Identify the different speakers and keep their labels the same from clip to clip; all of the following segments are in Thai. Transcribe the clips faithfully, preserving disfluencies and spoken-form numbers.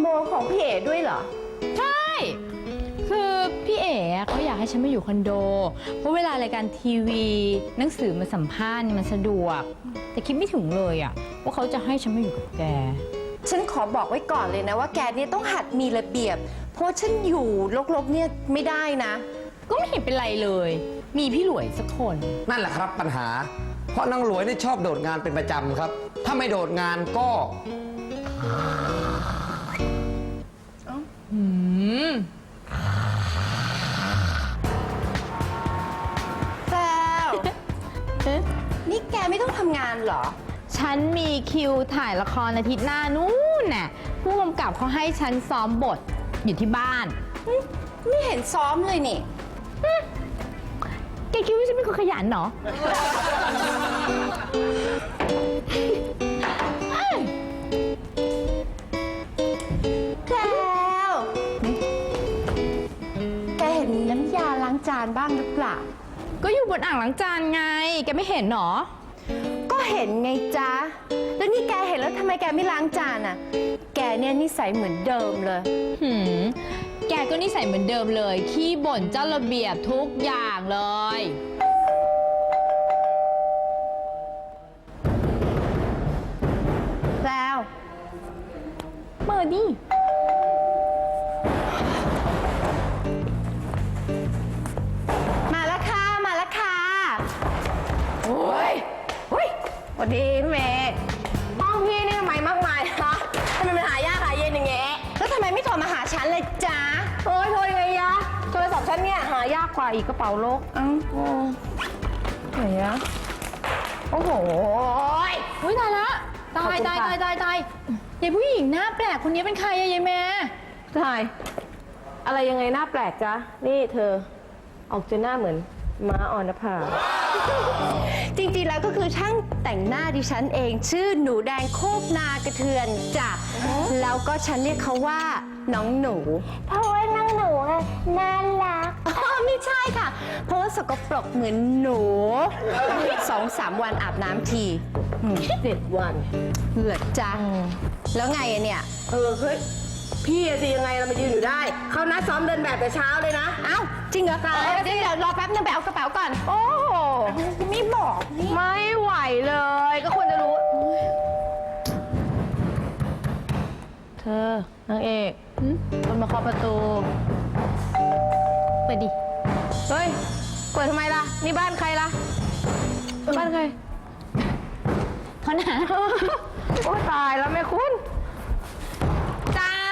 Speaker 1: ของพี่เอ๋ด้วยเหรอ
Speaker 2: ใช่คือพี่เอ๋เขาอยากให้ฉันมาอยู่คอนโดเพราะเวลารายการทีวีหนังสือมาสัมภาษณ์มันสะดวกแต่คิดไม่ถึงเลยอะว่าเขาจะให้ฉันมาอยู่กับแก
Speaker 1: ฉันขอบอกไว้ก่อนเลยนะว่าแกเนี่ยต้องหัดมีระเบียบเพราะฉันอยู่รกๆเนี่ยไม่ได้นะ
Speaker 2: ก็ไม่เห็นเป็นไรเลยมีพี่หลวยสักคน
Speaker 3: นั่นแหละครับปัญหาเพราะนางหลวยนี่ชอบโดดงานเป็นประจำครับถ้าไม่โดดงานก็
Speaker 2: อืม
Speaker 1: แซวนี่แกไม่ต้องทำงานเหรอ
Speaker 2: ฉันมีคิวถ่ายละครอาทิตย์หน้านู้นน่ะผู้กำกับเขาให้ฉันซ้อมบทอยู่ที่บ้าน
Speaker 1: ไม่เห็นซ้อมเลยนี่
Speaker 2: แกคิดว่าฉันเป็นคนขยันเหรอ
Speaker 1: แล้วแกเห็นน้ำยาล้างจานบ้างหรือเปล่า
Speaker 2: ก็อยู่บนอ่างล้างจานไงแกไม่เห็นหรอ
Speaker 1: ก็เห็นไงจ๊ะแล้วนี่แกเห็นแล้วทำไมแกไม่ล้างจานอ่ะแกเนี่ยนิสัยเหมือนเดิมเลย
Speaker 2: หืมแกก็นิสัยเหมือนเดิมเลยขี้บ่นเจ้าระเบียบทุกอย่างเลย
Speaker 1: แล้ว
Speaker 2: เปิดดิ
Speaker 1: มาแล้วค่ะมาแล้วค่ะโอ้ยโอ้ยสวัสดีพี่เมย์ห้องพี่นี่ทำไมมากมายคะทำไมมันหายากหายเย็นอย่างเงี้ยแล้วทำไมไม่โทรมาหาฉันเลยจ๊ะโอ้ยโทรยังไงยะโทรศัพท์ฉันเนี่ยหายากกว่าอีกกระเป๋าโลกอ้าวโอ้ไหนอะโอ้โห
Speaker 2: เฮ้ยตายละตายตายตายตายตายยายผู้หญิงหน้าแปลกคนนี้เป็นใครอะยายแม่
Speaker 1: ตายอะไรยังไงหน้าแปลกจ๊ะนี่เธอออกจะหน้าเหมือนม้าออนภาจริงๆแล้วก็คือช่างแต่งหน้าดิฉันเองชื่อหนูแดงโคกนากระเทือนจ้ะแล้วก็ฉันเรียกเขาว่าน้องหนูเพราะว่าน้องหนูน่ารักอ๋อไม่ใช่ค่ะเพราะว่าสกปรกเหมือนหนูสองสามวันอาบน้ำทีเจ็ดวันเหลือจังแล้วไงอะเนี่ยเออเฮ้ยพี่สิยังไงเรามายืนอยู่ได้เขานัดซ้อมเดินแบบแต่เช้าเลยนะเอ้าจริงเหรอคะเดี๋ยวรอแป๊บนึงไปเอากระเป๋าก่อนโอ้ไม่บอกไม่ไหวเลยก็ควรจะรู้เธอนางเอกคนมาเคาะประตู
Speaker 2: เปิดดิ
Speaker 1: เฮ้ยเปิดทำไมล่ะนี่บ้านใครล่ะบ้านใคร
Speaker 2: เขาหนา
Speaker 1: โอ้ตายแล้วแม่คุณ
Speaker 2: จ้า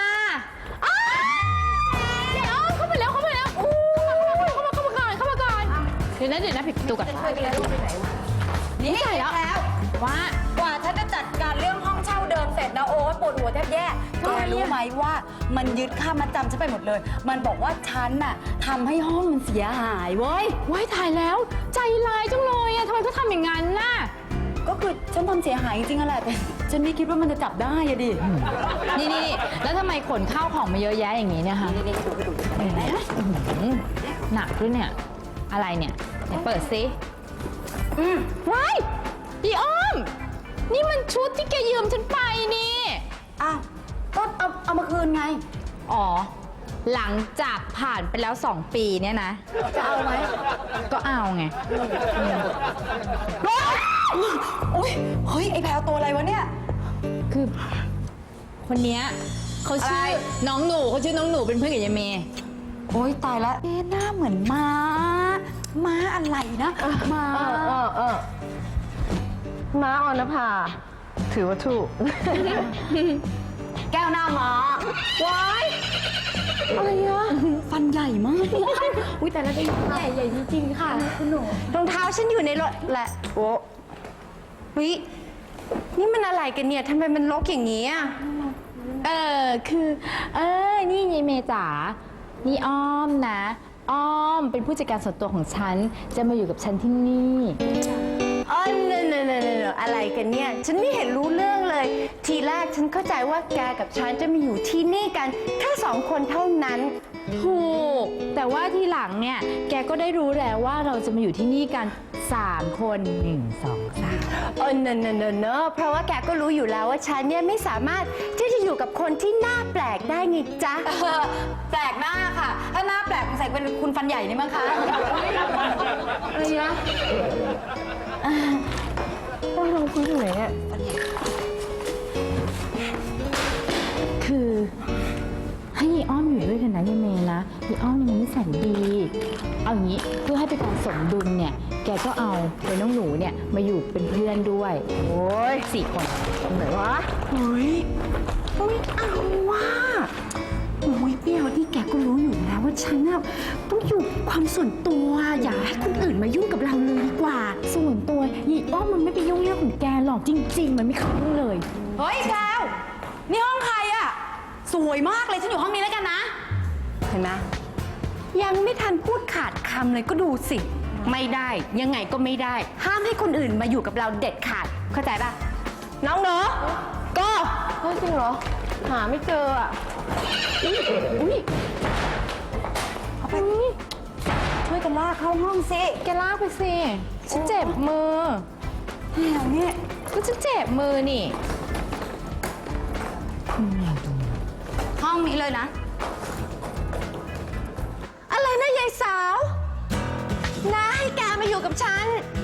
Speaker 2: เดี๋ยวเข้ามาแล้วเข้ามาแล้วอู้เข้ามาเข้ามาก่อนเข้ามาก่อนเดี๋ยวนะเดี๋ยวนะปิดประตูก่อนนี่ใส่แล้วว่าก
Speaker 4: ว่าฉันจะจัดการเรื่องห้องเช่าเดิมเสร็จนะโอ๊ยปวดหัวแทบแย่แกรู้ไหมว่ามันยึดค่ามัดจำฉันไปหมดเลยมันบอกว่าฉันน่ะทำให้ห้องมันเสียหายเว้ย
Speaker 2: ว้ายถ่ายแล้วใจร้ายจังเลยอะทำไมเขาทำอย่างนั้นล่ะ
Speaker 4: ก็คือฉันทำเสียหายจริงๆอะแหละแต่ฉันไม่คิดว่ามันจะจับได้อะดิ
Speaker 2: นี่นี่แล้วทำไมขนข้าวของมาเยอะแยะอย่างนี้เนี่ยคะ
Speaker 4: นี่ดูไปดู
Speaker 2: หนักด้วยเนี่ยอะไรเนี่ยไหนเปิดซิอืมว้ายอีอ้อมนี่มันชุดที่แกยืมฉันไปนี่
Speaker 4: อ้าวก็เอาเอามาคืนไง
Speaker 2: อ๋อหลังจากผ่านไปแล้วสองปีเนี่ยนะ
Speaker 4: จะเอาไหม
Speaker 2: ก็เอาไง
Speaker 4: โอ้ยเฮ้ยไอ้แพลวตัวอะไรวะเนี่ย
Speaker 2: คือคนเนี้ยเขาชื่อน้องหนูเขาชื่อน้องหนูเป็นเพื่อนกับยายเมย์
Speaker 4: โอ้ยตายแล้วเอ๊ะหน้าเหมือนม้าม้าอะไรนะม้า
Speaker 1: เออเออม้าออนภาถือว่าถูก
Speaker 4: แก้วหน้าม้า
Speaker 1: ว้ายอะไรอะ
Speaker 4: ฟันใหญ่มาก
Speaker 1: อุ้ยแต่ละได้ใหญ่ใหญ่จริงๆค่ะคุณหนูรองเท้าฉันอยู่ในรถแหละโอ้วินี่มันอะไรกันเนี่ยทำไมมันรกอย่างนี้อ่ะ
Speaker 2: เออคือเออนี่ยายเมย์จ๋านี่อ้อมนะอ้อมเป็นผู้จัดการส่วนตัวของฉันจะมาอยู่กับฉันที่นี่
Speaker 1: อ๋อเนอะเนอะเนอะอะไรอะไรกันเนี่ย ฉันไม่เห็นรู้เรื่องเลย ทีแรกฉันเข้าใจว่าแกกับฉันจะมาอยู่ที่นี่กันแค่สองคนเท่านั้น
Speaker 2: ถูก แต่ว่าทีหลังเนี่ย แกก็ได้รู้แล้วว่าเราจะมาอยู่ที่นี่กัน สาม คนหนึ่ง สอง สาม
Speaker 1: เออเนอะเนอะเนอะเนอะเพราะว่าแกก็รู้อยู่แล้วว่าฉันเนี่ยไม่สามารถที่จะอยู่กับคนที่หน้าแปลกได้ไงจ๊ะ
Speaker 4: แปลกหน้าค่ะ ถ้าหน้าแปลกใส่เป็นคุณฟันใหญ่นี่มั้งคะ
Speaker 1: อะไรนะต้องลงคุยที่ไหนเนี่ย
Speaker 2: คือให้ยีอ้อมอยู่ด้วยกันนะยายเมย์นะยีอ้อมเนี่ยมันนิสัยดี เอาอย่างนี้เพื่อให้เป็นการสมดุลเนี่ย แกก็เอาเป็นน้องหนูเนี่ยมาอยู่เป็นเพื่อนด้วย
Speaker 1: โอ้ย
Speaker 2: สี่คน
Speaker 1: ตรงไหนวะเฮ้ยไม่เอาว่ะโอ้ยเปรี้ยวนี่แกก็รู้อยู่แล้วว่าฉันน่ะต้องอยู่ความส่วนตัว อย่าให้คนอื่นมายุ่งกับเราเลยดีกว่า
Speaker 2: ส่วนตัวยีอ้อมมันไม่ไปยุ่งเรื่องของแกหรอกจริง ๆ มันไม่เข้าเรื่องเลย
Speaker 4: เฮ้ยแพรวนี่ห้องใครอะสวยมากเลย ฉันอยู่ห้องนี้แล้วกันนะ
Speaker 1: เห็นไหมยังไม่ทันพูดขาดคำเลยก็ดูสิ ไม่ได้ยังไงก็ไม่ได้ ห้ามให้คนอื่นมาอยู่กับเราเด็ดขาดเข้าใจป่ะ น้องเนาะก็เฮ้ยจริงเหรอ หาไม่เจออ่ะอุ้ยอุ้ย
Speaker 4: เอาไปช่วยกันลากเข้าห้องสิ
Speaker 2: แกลากไปสิ ฉันเจ็บมือ
Speaker 4: แพรวเนี่ย
Speaker 2: ก็ฉันเจ็บมือนี่
Speaker 4: ห้องนี้เลยนะ
Speaker 1: อะไรนะยายสาวน้าให้แกมาอยู่กับฉัน